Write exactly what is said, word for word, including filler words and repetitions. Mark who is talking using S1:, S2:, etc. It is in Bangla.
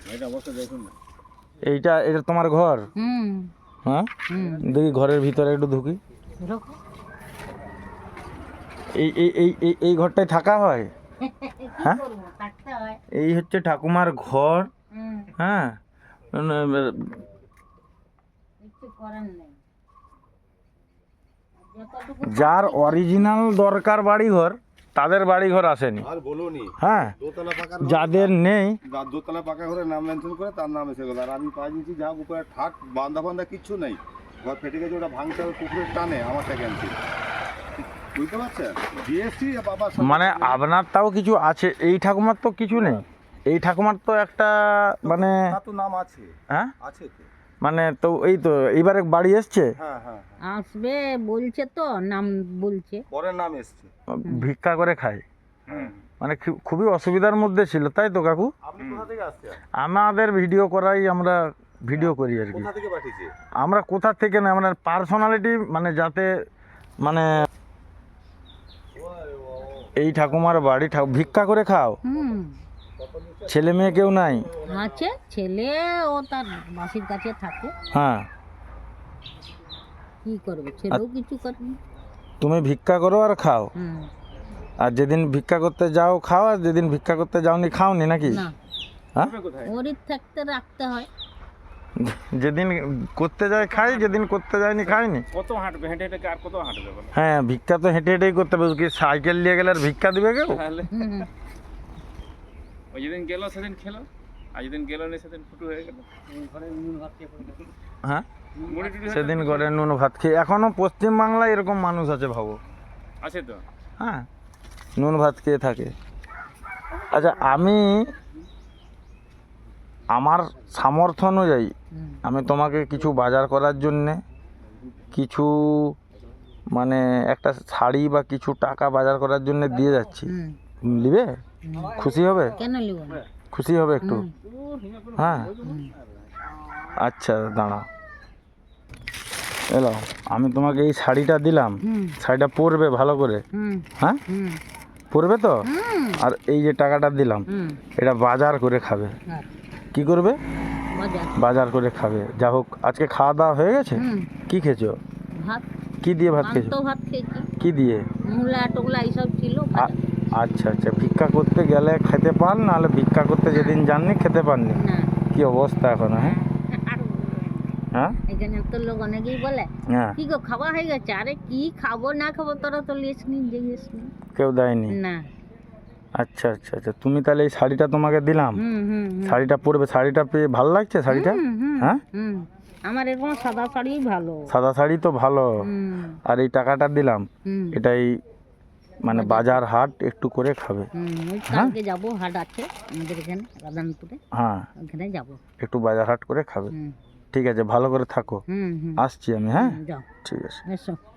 S1: এইটা এটা তোমার ঘর?
S2: হুম।
S1: হ্যাঁ, দেখি ঘরের ভিতরে একটু ঢুকি। এই এই এই এই এই ঘরটায় থাকা হয়? হ্যাঁ, এই হচ্ছে ঠাকুমার ঘর। হ্যাঁ, যার অরিজিনাল দরকার বাড়িঘর তাদের বাড়িঘর আসেনি।
S3: আর বলুনি,
S1: হ্যাঁ,
S3: দোতলা পাকা
S1: যাদের নেই
S3: দোতলা পাকা ঘরে নাম মেনশন করে তার নাম এসে গেল। আর আমি পাই নিচ্ছি যা উপরে ঠাক বান্ধা বান্ধা কিচ্ছু নেই, ঘর ফেটে গেছে, ওটা ভাঙতে হবে পুকুরের টানে, আমারটা ক্যান্সেল। বুঝতে পারছেন? জিএসটি বাবা
S1: মানে আপনার তাও কিছু আছে, এই ঠাকুমার তো কিছু নেই। এই ঠাকুমার তো একটা মানে
S3: তো নাম আছে।
S1: হ্যাঁ
S3: আছে তো,
S1: মানে তো এই তো এইবারে বাড়ি এসছে।
S3: হ্যাঁ হ্যাঁ
S2: আসবে বলছে, তো নাম বলছে,
S3: পরের নাম এসছে।
S1: ভিক্ষা করে খায়,
S3: হুম।
S1: মানে খু- খুবই অসুবিধার মধ্যে ছিল, তাই তো কাকু?
S3: আপনি কোথা থেকে আসছেন?
S1: আমাদের ভিডিও করাই, আমরা ভিডিও করি আর কি।
S3: কোথা থেকে পাঠিয়েছে?
S1: আমরা কোথা থেকে না, মানে পার্সোনালিটি, মানে যাতে মানে এই ঠাকুমার বাড়ি ঠাকু- ভিক্ষা করে খাও?
S2: হুম।
S1: ছেলে মেয়ে কেউ নাই?
S2: আছে ছেলে, ও তার মাসির কাছে থাকে।
S1: হ্যাঁ,
S2: কি করবে, ছেলেও কিছু করবে না।
S1: তুমি ভিক্ষা করো আর খাও,
S2: হুম।
S1: আর যেদিন ভিক্ষা করতে যাও খাও, আর যেদিন ভিক্ষা করতে যাওনি খাওনি নাকি?
S2: না,
S1: হ্যাঁ,
S2: ওরই থাকতে রাখতে হয়।
S1: যেদিন করতে যায় খাই, যেদিন করতে যায়নি খাইনি।
S4: কত হাঁটবে, হেঁটে হেঁটে আর কত হাঁটবে বলো?
S1: হ্যাঁ, ভিক্ষা তো হেঁটে হেঁটেই করতে হবে, কি সাইকেল নিয়ে গেলে আর ভিক্ষা দিবে কেউ?
S4: তাহলে
S2: হুম।
S4: ওই যেদিন গেল সেদিন খেলো, আর যেদিন গেল না সেদিন ফুটু হয়ে গেল।
S1: হ্যাঁ,
S4: মুড়ি টুড়ি হয়ে
S1: সেদিন করে নুন ভাত খেয়ে, এখনো পশ্চিমবাংলায় এরকম মানুষ আছে ভাবো।
S4: আছে তো।
S1: হ্যাঁ, নুন ভাত খেয়ে থাকে। আচ্ছা, আমি আমার সামর্থ্য অনুযায়ী
S2: হুম।
S1: আমি তোমাকে কিছু বাজার করার জন্যে, কিছু মানে একটা শাড়ি বা কিছু টাকা বাজার করার জন্য দিয়ে যাচ্ছি।
S2: হুম।
S1: নিবে? খুশি হবে?
S2: কেন লিব না?
S1: খুশি হবে একটু?
S2: হুম।
S1: হ্যাঁ, আচ্ছা দাঁড়াও, এলো আমি তোমাকে এই শাড়িটা দিলাম,
S2: হুম।
S1: শাড়িটা পরবে ভালো করে?
S2: হুম।
S1: হ্যাঁ,
S2: হুম।
S1: পরবে তো?
S2: হুম।
S1: আর এই যে টাকাটা দিলাম,
S2: হুম।
S1: এটা বাজার করে খাবে।
S2: আর
S1: কি করবে?
S2: বাজার।
S1: বাজার করে খাবে। যা হোক, আজকে খাওয়া দাওয়া হয়ে গেছে?
S2: হুম।
S1: কি খেয়েছো?
S2: ভাত,
S1: কি দিয়ে ভাত খেয়েছো?
S2: পান্তা ভাত খেয়েছি,
S1: কি দিয়ে?
S2: মূলা টোকলা এইসব ছিল।
S1: আ- আচ্ছা আচ্ছা, ভিক্ষা করতে গেলে খেতে পান, নাহলে ভিক্ষা করতে যেদিন যাননি খেতে পাননি?
S2: না,
S1: কি অবস্থা এখন? হ্যাঁ হ্যাঁ
S2: এখানে তো লোক অনেকেই বলে
S1: হ্যাঁ,
S2: কি গো খাওয়া হয়ে গেছে? আরে কি খাবো না খাবো, তোরা তো লিস নি, জিজ্ঞেস নি।
S1: কেউ দেয়নি?
S2: না।
S1: আচ্ছা আচ্ছা আচ্ছা, তুমি তাহলে এই শাড়িটা তোমাকে দিলাম,
S2: হুম হুম হুম।
S1: শাড়িটা পরবে। শাড়িটা পেয়ে ভালো লাগছে শাড়িটা?
S2: হুম, হুম,
S1: হ্যাঁ,
S2: হুম। আমার এরকম সাদা শাড়ি ভালো।
S1: সাদা শাড়ি তো ভালো।
S2: হুম।
S1: আর এই টাকাটা দিলাম,
S2: হুম।
S1: এটাই মানে বাজার হাট একটু করে খাবে।
S2: হুম, ওই
S1: হ্যাঁ?
S2: কালকে যাবো, হাট আছে আমাদের এখানে রাধানপুরে,
S1: হ্যাঁ,
S2: ওখানে যাবো।
S1: একটু বাজার হাট করে খাবে।
S2: হুম।
S1: ঠিক আছে, ভালো করে থাকো।
S2: হুম হুম।
S1: আসছি আমি। হ্যাঁ,
S2: যাও,
S1: ঠিক আছে।
S2: এসো।